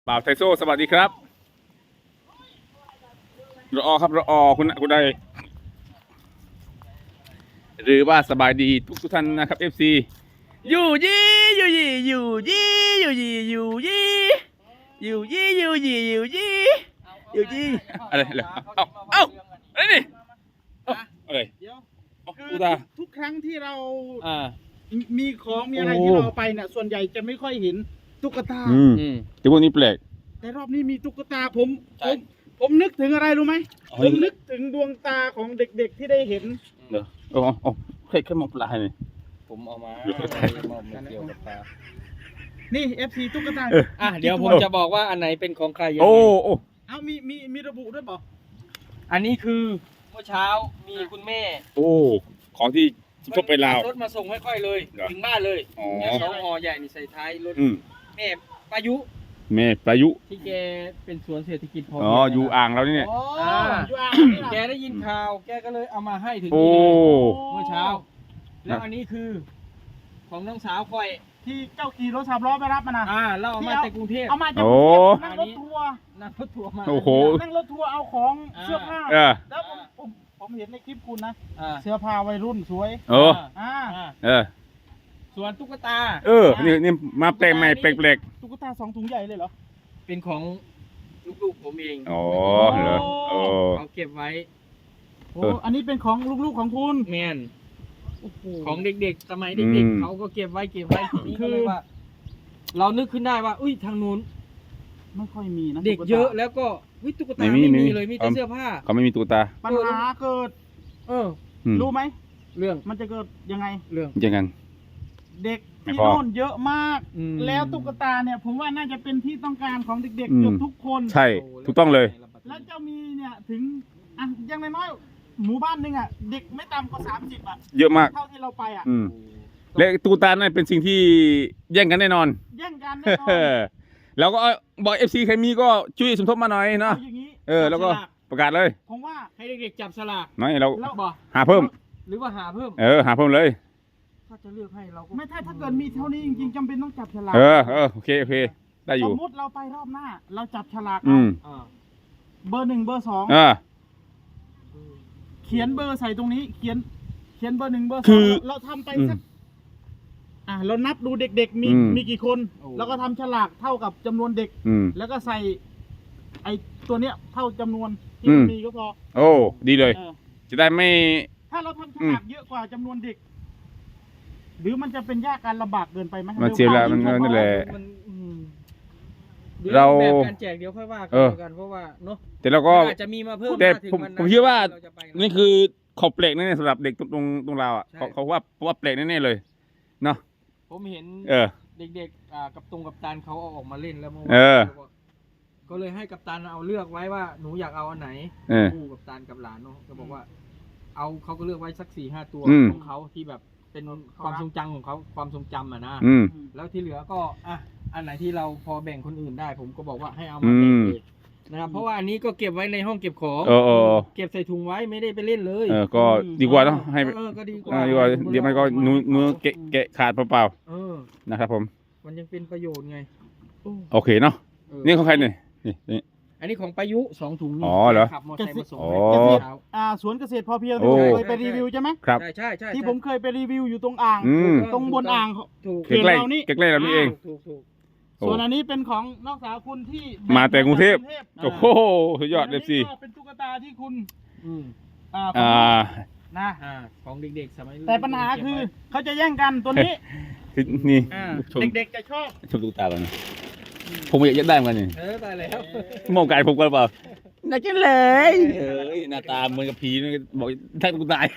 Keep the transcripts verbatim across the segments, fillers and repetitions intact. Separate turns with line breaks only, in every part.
บ่าวไทโซสวัสดีครับรอครับรอคุณคุณใดหรือว่าสบายดีทุกทุกท่านนะครับ เอฟ ซี อยู่ยี่อยู่ยี่อยู่ยี่อยู่ยี่อยู่ยี่อยู่ยี่อยู่ยี่อยู่ยี่อยู่ยี่อะไรอะไรเอ้าเอ้าอะไรนี่อะไร
เดี๋ยว
คือ
ทุกครั้งที่เรา
อ่า
มีของมีอะไร
โอ้
ที่เราไปเนี่ยส่วนใหญ่จะไม่ค่อยเห็นตุ๊กตา
อืมแต่พวกนี้แปลก
แต่รอบนี้มีตุ๊กตาผมผมผมนึกถึงอะไรรู้ไหม
อ๋อ
ผมนึกถึงดวงตาของเด็กๆที่ได้เห็น
เดี๋ยวโอ้โอ้แค่แค่มองปลาให้นี่
ผมเอามา
เดี๋ยว
ไม่เกี่ยวกับปลา
นี่ เอฟ ซี ตุ๊กตา
เออ
อ่ะเดี๋ยวผมจะบอกว่าอันไหนเป็นของใครยัง
โอ้
ไง
โอ้
เอามีมีมีระบุด้วยเปล่า
อันนี้คือเมื่อเช้ามีคุณแม่
โอ้ของที่พบไปลาว
รถมาส่งให้ค่อยเลย
เหรอ
ถึงบ้านเลย
อ๋อ
เนี่ยสองห่อใหญ่นี่ใส่ท้ายรถ
อืม
แม่ปายุ
แม่ประยุ
ที่แกเป็นสวนเศรษฐกิจพอ
อ๋อ
เพีง
อยู่อ่างเรานี่เนี่ย
อ๋อ
อ่า
อยู่อ่างนี่
แก
ล่ะ
ได้ยินข่าว แกก็เลยเอามาให้ถึง
โอ้
นี่เลยเมื่อเช้า แล้วอันนี้คือของน้องสาวค่อย
ที่เจ้าขี่รถสามล้อไปรับมานะ
อ่าเราเอามาจากกรุงเทพ
เอามาจาก
โอ้
กรุงเทพนั่งรถทัวร์
นั่งรถทัวร์มา
โอ้โห
นั่งรถทัวร์เอาของเสื้อผ้า
เออ
แล้วผมผมผมเห็นในคลิปคุณนะ
อ่า
เสื้อผ้าวัยรุ่นสวย
โอ้
อ่า
อ่า
เออ
ส่วนตุ๊กตา
เออ นี่นี่มาแปลกใหม่แปลก
ตุ๊กตาสองถุงใหญ่เลยเหรอ
เป็นของลูกๆผมเอง
ๆอ๋อเหรอโอ้
เขาเก็บไว้
โอ้
เออ
อันนี้เป็นของลูกๆของคุณ
แมน
โอ้โห
ของเด็กๆ สมัย
อื
เด็ก
ม
ๆ เขาก็เก็บไว้เก็บไว้ทีนี้
คื
ก็
อ
เลยว่า เรานึกขึ้นได้ว่า อุ้ยทางนู้น
ไม่ค่อยมีนะ
เด็ก
ตุ๊ตา
เยอะแล้วก็วิตุ๊กตา
ไม่มี
ไม่
ไม่มี
มีเลยมีแต่
เอา
เสื้อผ้า
เขาไม่มีตุ๊กตา
ปัญหาเกิด
เออ
อืม
รู้ไหม
เรื่อง
มันจะเกิดยังไง
เรื่อง
ยังไง
เด็ก
ไม่
ที่
พอ
โน่นเยอะมาก
อืม
แล้วตุ๊กตาเนี่ยผมว่าน่าจะเป็นที่ต้องการของเด็ก
อื
ๆ
ม
เกือบทุกคน
ใช่ ถูกต้องเลย
แล้วจะมีเนี่ยถึงอ่ะอยังน้อยๆหมู่บ้านหนึงอ่ะเด็กไม่ต่ำกว่าสามสิบอ่ะ
เยอะมาก
เท่าที่เราไปอ่ะ
อืมและตุ๊กตานั่นเป็นสิ่งที่แย่งกันแน่นอน
แย่งกันแน่นอน
แล้วก็บอกเอฟซีใครมีก็ช่วยสมทบมาหน่อยเนาะ
เอาอย่างนี้
เออ แล้วก็ประกาศเลย
ผมว่า
ให้เด็กๆจับสลาก
น้อยเรา
แล้ว
บอก
หาเพิ่ม
หรือว่าหาเพิ่ม
เออ หาเพิ่มเลย
ถ้าจะเลือกให้เราก็
ไม่ถ้าถ้าเกิดมีเท่านี้จริงๆจำเป็นต้องจับฉลาก
เออ เออ โอเค โอเค ได้อ
ส
ยู่
มมติเราไปรอบหน้า เราจับฉลาก
อื
เอา
ม
อ่า
เบอร์หนึ่งเบอร์สอง
เออ
เขียนเบอร์ใส่ตรงนี้ เขียน เขียนเบอร์หนึ่งเบอร์ส
คื
อง
อ
เราทำไป
อืม
สักอ่ะเรานับดูเด็กๆมี
อืม
มีกี่คน แล้วก็ทำฉลากเท่ากับจำนวนเด็ก
อืม
แล้วก็ใส่ ไอตัวเนี้ยเท่าจำนวนที่
อืม
มันมีก็พอ
โอ้ ดีเลย
เออ
จะได้ไม่
ถ้าเราทำฉลากเยอะกว่าจำนวนเด็ก หรือมันจะเป็นยากการลำบากเกินไปไหม
มันเสียเวลามัน
ร็ว
นั่นแหละ
มันอืมดี๋ยว
เรา
แบบการแจกเดี๋ยวค่อยว่ากัน
เออ
แล้วกันเพราะว่าเนาะ
แต่เราก็
อาจจะมีมาเพิ่ม
แต่
ถ้าถึง
ผม
วันนั้น
ผมคิดว่า
เรจะไปะ
นี่คือขอบเปลกแน่ๆสำหรับเด็กตรงตรงตรงเราอ่ะ
ใช่
เขาเขาว่าว่าเปลกแน่ๆเลย เนาะ
ผมเห็น
เออ
เด็กๆอ่ากับตรงกับตันเขาเอาออกมาเล่นแล้วเมื่อวาน
เออ
ก็เลยให้กับตันเอาเลือกไว้ว่าหนูอยากเอาอันไหน
เออ
คู่กับตันกับหลานเนาะก็บอกว่า เอาเขาก็เลือกไว้สักสี่ห้าตัว
อืม
ของเขาที่แบบเป็นความทรงจำของเขาความทรงจำอ่ะนะ
อืม
แล้วที่เหลือก็อ่ะอันไหนที่เราพอแบ่งคนอื่นได้ ผมก็บอกว่าให้เอา
อื
มาแบ่ง
ม
เลยนะครับเพราะว่าอันนี้ก็เก็บไว้ในห้องเก็บของ
เออเออ
เก็บใส่ถุงไว้ไม่ได้ไปเล่นเลย
เออ ก็ดีกว่าเนาะ ให้
เออก็ดีก
เอ
ว่า
อดีกว่าเดี๋ยวมันก็นูนูเกะเกะขาดเปล่า
เออ
ๆนะครับผม
มันยังเป็นประโยชน์ไง
โอเคเนาะ
เออ
นี่ของใครเนี่ยนี่นี่
อันนี้ของประยุสองถุงนี่
อ๋อเหรอ
ขับมอเตอร์ไซค์มาส่ง
อ๋อ
ให้
เกษตร
เช้า
อ่าสวนเกษตรพอเพียง
โอ้
ที่ผมเคยไปรีวิวใช่ไหม
ครับ
ใช่ใช่ใช่
ที่ผมเคยไปรีวิวอยู่ตรงอ่าง
อืม
ตรงบนอ่าง
ถูก
เขื่อน
ใกล้
เรานี่
ๆใกล้ๆเรานี่เอง
ถูกถูก
โอ้
ส่วนอันนี้เป็นของนอกสาวคุณที่
มาแต่กรุงเทพ
า
โอ้โหสุดยอดเลยสิ
ส่วนอันนี้ก็เป็นตุ๊กตาที่คุณ
อืม
อ่า
อ่า
นะ
อ่าของเด็กๆสมัย
แต่ปัญหาคือเขาจะแย่งกันตัวนี้
นี่
อ่า
ชม
เด็กๆจะชอบ
ชมตุ๊กตาก่อนนะผมอยากจะได้เหมือนกันนี่
เออตายแล้ว
มองไก่ผมกันเปล่าน่าจะเลยเอ้ยหน้าตาเหมือนกับผีนี่บอกถ้ากูตาย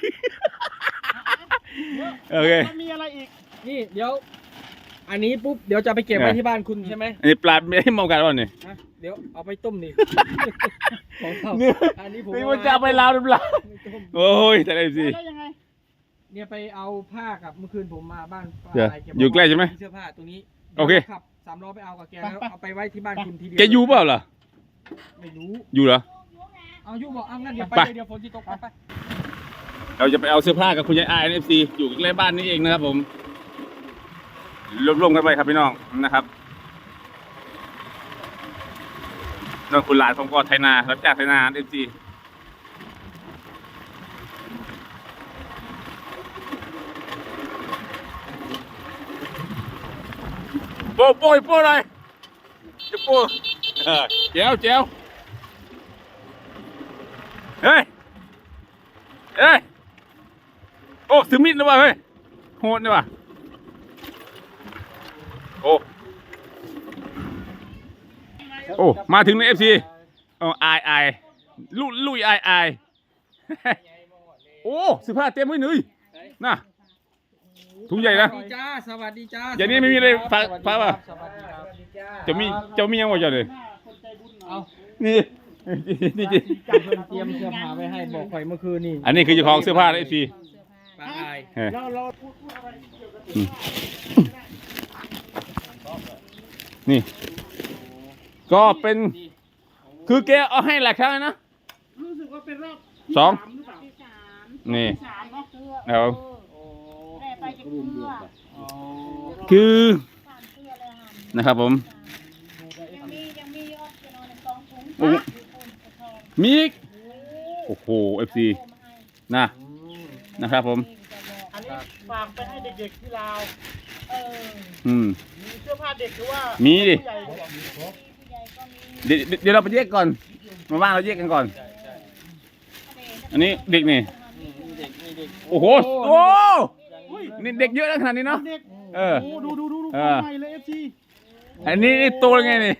โอเค
มันมีอะไรอีก
นี่เดี๋ยว อันนี้ปุ๊บเดี๋ยวจะไปเก็บไว้
เออ
ที่บ้านคุณใช่ไหม
อันนี้ปลาไม่ให้มองกันว่านี่
ฮะเดี๋ยวเอาไปต้มดิของเขา
เนี่ย
อันนี้ผม
ไม่ว่าจะเอาไปลาวหรือเปล่า
ไม่ต้ม
โอ้ยแต่ได้สิ
แล้วยังไง
เนี่ยไปเอาผ้ากับเมื่อคืนผมมาบ้านป้า
เดี๋ยว
ะไรแกบ
อยู่ใกล้ใช่ไหม
เสื้อผ้าตรงนี้
โอเค
ขับสามล้อไปเอากับแกแล้วเอาไปไว้ที่บ้านคุณทีเดีว
แกอยู่เปล่าล่ะ
ไม่รู้
อยู่เหรอ
เอาอยู่บอกเอางั้นเดี๋ยวไป
ไป
เลยเดี๋ยวฝนจะตกไปไป
เราจะไปเอาเสื้อผ้ากับคุณยายไอเอฟซีอยู่ใกล้บ้านนี่เองนะครับผมรวมๆกันไปครับพี่น้องนะครับน้องคุณหลานผมก็ไถนารับจ้างไถนาเอฟซีโป้โป้โป้เลยจะโป้เออเจ้าเจ้าเฮ้ยเฮ้ยโอ้ถึงมิดแล้วว่ะเฮ้ยโหดเลยว่ะโอ้โอ้มาถึงในเอฟซีอ๋อไอไอลุลุยไอไอโอ้สิบห้าเต็มเลยหนุ่ยน่ะถุงใหญ่นะ
สวัสดีจ้าสวัสดีจ้า
อย่างนี้ไม่มีเลยฝากฝากป่ะ
สวัสดีครับ
จะมีจะมียังไงจะเลย
หน้าคนใจบุญหน่
เอา
อย
นี่นี่นี่
จับเพิ่มเตรียมเสื้อผ้าไว้ให้บอกข่อยเมื่อคืนนี่
อันนี้คือเจ้าของเสื้อผ้าเอฟซี
ปลาอาย
เราเราพูดพูดอะไรเกี่ยวกับ
นี่ ก็เป็นคือแกเอาให้หลายครั้งนะ
รู้สึกว่าเป็นรอบ
สอง
ที่ามหรือเปล่า
ที่สาม
นี่
สามเนาะ
เสื้อ
เอา
โอ้
แต่ไปจะเสื้อ
โอ้
คือ
สามเสื้อเลยค่ะ
นะครับผม
ยังมียังมียอดจะนอนในกองถุง
โอ้โห มีอีกโอ้โหเอฟซีนะ
อืม
นะครับผม
อันนี้ฝากไปให้เด็กๆที่ลาว
เออ
อืม
มีเสื้อผ้าเด็กหรือว่า
มีดิ
ผู้ใหญ่ดีกว่า
ผู้ใหญ่ก็มี
เดี๋ยวเดี๋ยวเราไปแยกก่อนมาว่างเราแยกกันก่อน
ใช่ใช่
อันนี้เด็กนี่
อืมนี่เด็กนี่เด็ก
โอ้โหโอ้
อุ้ย
นี่เด็กเยอะนะขนาดนี้เนาะ
เด็ก
เออ
โอ้ดูดูดูดู
เอ
ขอ
อ
งใหม่เลยเอฟซี
อันนี้นี่โตยังไงนี่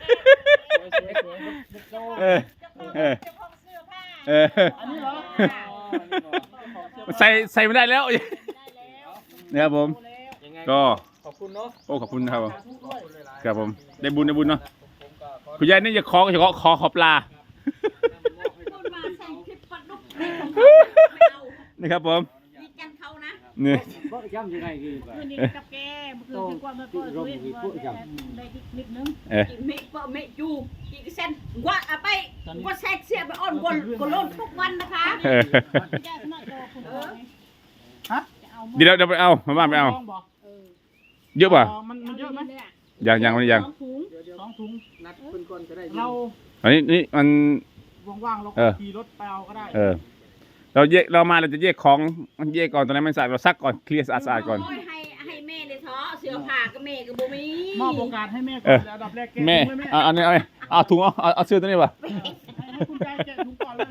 เออ เออ
เจ้าของเสื้อผ้า
เออ
อันนี้เหรอ
ใส่ใส่ไม่ได้แล้ว
ได้แล้ว
นะครับผม
ยังไง
ก็
ขอบคุณเนาะ
โอ้ขอบคุณนะครับผม
ขอบคุณหลายๆ
ครับผม ได้บุญได้บุญเนาะ
ผมก็ขอ
คุณยายนี่จะขอจะขอขอขอปลา
คนมาใส่คลิปปัดลุกไม่เอา
นี่ครับผม
ดีกันเขานะ
นี่
คืนนี้กับแกเมื่อคืนดีกว่าเมื่อก่อนรู้ว่าได้นิดนึง
เออ
mẹ vợ mẹ chú chị cái sen quá à bay quá xe xe mà on quần quần lôn thuốc văn đó khá
เออ
ญาติมาโตคุณพ่อไง
ฮะ
จะเอา
เดี๋ยวเดี๋ยวไปเอามาบ้านไปเอา
ลงบอก
เยอะป่ะ
อ๋อมันมันเยอะไหม
ยังยังไม่ยัง
สองถุง
สองถุง
นัดเพิ่นก่อนก็ได้
เรา
อันนี้นี่มัน
ว่างๆเรา
เอ
ก็
อ
ขี่รถไปเอาก็ได้
เออ เราแยกเรามาเราจะแยกของแยกก่อนตอนนั้นมันสะอาดเราซักก่อนเคลียร์สะอาดๆก่อน
Ôi, hay hay mẹ để thó sửa phà cái mẹ cái bố mí
มอบโอกาสให้แม่ก่
เอ
อน
อ
แล้วอันดับแรกแกะ
แม่
ถุงให้แม่
เอาอันนี้เอาเอาถุงเอาเอาเอาเสื้อตัวนี้ป่ะ
ให้ให้คุณยายแกะถุงก่อนเลย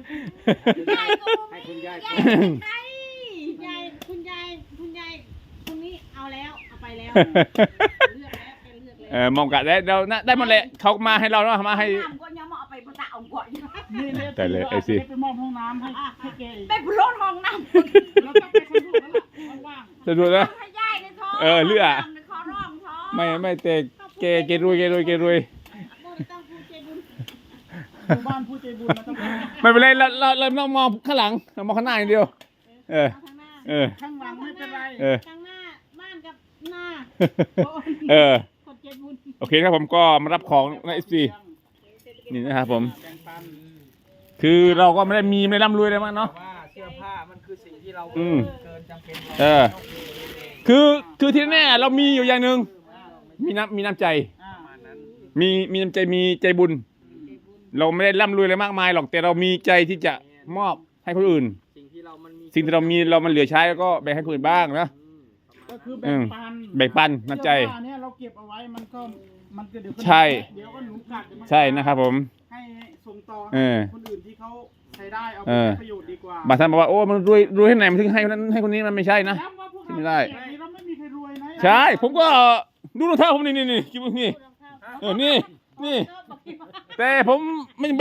Yai của bố mí Yai bên đây
ยายคุณยายคุณยายคนนี้เอาแล้วเอาไปแล้วเลือกแล้วแกเลือกแล้ว
เออมองกะได้เราน่ะได้หมดแหละเขามาให้เราเนาะมาให้
Làm con nhóm họ phải tạo ông gọi
นี่เลย
แต่เลย
ก็
ไอ้
อาจ
สิ
จะได้ไปมอบห้องน้ำให้ให้แกอีก
Mẹ bố lôn hòng nằm
แล้วก็ไปสำรวจแล้วล่ะว่าง
สะดวกนะ
Hay dai để thó
Ờ, lựa à?
Làm để khó rong thó
ไม่ไม่เตะเกเกรวยเกรวยเกรวย
บ่ต้องพูดใจบุญ
ๆหมู่บ้านผู้ใจบุญมันต้องเป็น
ไม่เป็นไรเราเราเราต้องมองข้างหลังเรามองข้างหน้าอย่างเดียว เออ
เอาทางหน้า
เออ
ข้างหลังไม่เป็นไร
เออ
ทางหน้าบ้านกับหน้า
เออ
คนใจบุญ
โอเคครับผมก็มารับของในเอฟซีนี่นะครับผม
แบ่งปัน
คือเราก็ไม่ได้มีไม่ได้ร่ำรวยอะไรมากเนาะ
แต่ว่าเสื้อผ้ามันคือสิ่งที่เรา
อืม
เกินจำเป็น
เออ คือคือที่แน่เรามีอยู่อย่างหนึ่งมีน้ำมีน้ำใจ
อ่า
ประมาณนั้น
มีมีน้ำใจมีใจบุญ เราไม่ได้ร่ำรวยอะไรมากมายหรอกแต่เรามีใจที่จะมอบให้คนอื่น
สิ่งที่เรามันมี
สิ่งที่เรามีเรามันเหลือใช้แล้วก็แบ่งให้คนอื่นบ้างนะ
อืมประมาณ
ก็คือแบ่งปัน
แบ่งปันน้ำใจ
เสื้อผ้าเนี่ยเราเก็บเอาไว้มันก็มันก็เดี๋ยวก็
ใช่
เดี๋ยวก็หนูกัดเดี๋ยวมั
ใช่นะครับผม
ให้ส่งต่อ
เอ
ให้
อ
คนอื่นที่เขาใช้ได้เอาไป
เออ
ใช้ประโยชน์ดีกว่า
บางท่านบอกว่าโอ้มันรวยรวยที่ไหนมันถึงให้คนนั้นให้คนนี้มันไม่ใช่นะ
ย้ำว่าพวกเรา
ไม่ได้
แบบนี้เราไม่มีใครรวยนะ
ใช่ ผมก็ดูรองเท้าผมนี่นี่นี่คิดว่านี่เออนี่นี่ แต่ผมไม่เป็น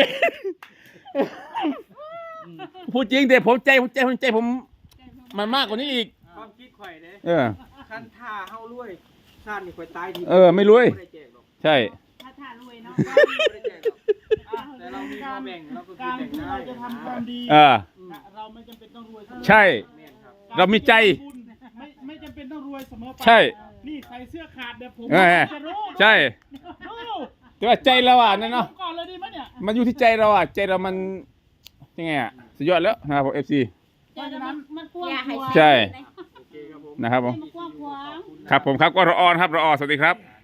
พูดจริงแต่ผมใจผมใจผมใจผมมันมากกว่านี้อีก
ความคิดข่อยเด้
เออ
คันท่าเฮารวยชาตินี่ข่อยตายที
เออไม่รวย
บ่ได้แจกหรอก
ใช่
ถ้าถ้ารวยเนาะ
บ่ได้แจกหรอก
อ่ะ
แต่เรามีพอแบ่งเราก็คือ
การ
แบ่ง
ที่
ได้
เราจะทำความดี
เออ
นะเราไม่จำเป็นต้องรวยเสมอ
ใช่
แม่นครับ
เรามีใจ
ไม่ไม่จำเป็นต้องรวยเสมอไป
ใช่
นี่ใส่เสื้อขาดเดี๋ยวผม
เออ
จะรู้
ใช่
ดู
แต่ว่าใจเราอ่ะนั่นเนาะ
ผมก่อนเลยดีไหมเนี่ย
มันอยู่ที่ใจเราอ่ะใจเรามันยังไงอ่ะสุดยอดแล้วนะครับผมเอฟซี
ใจเรามันมันกว้าง
Nhà
ข
hay
วาง
ใช่
โอเคครับผม
นะครับผม
มันกว้างขวาง
ครับผมครับก็รอออนครับรออสวัสดีครับ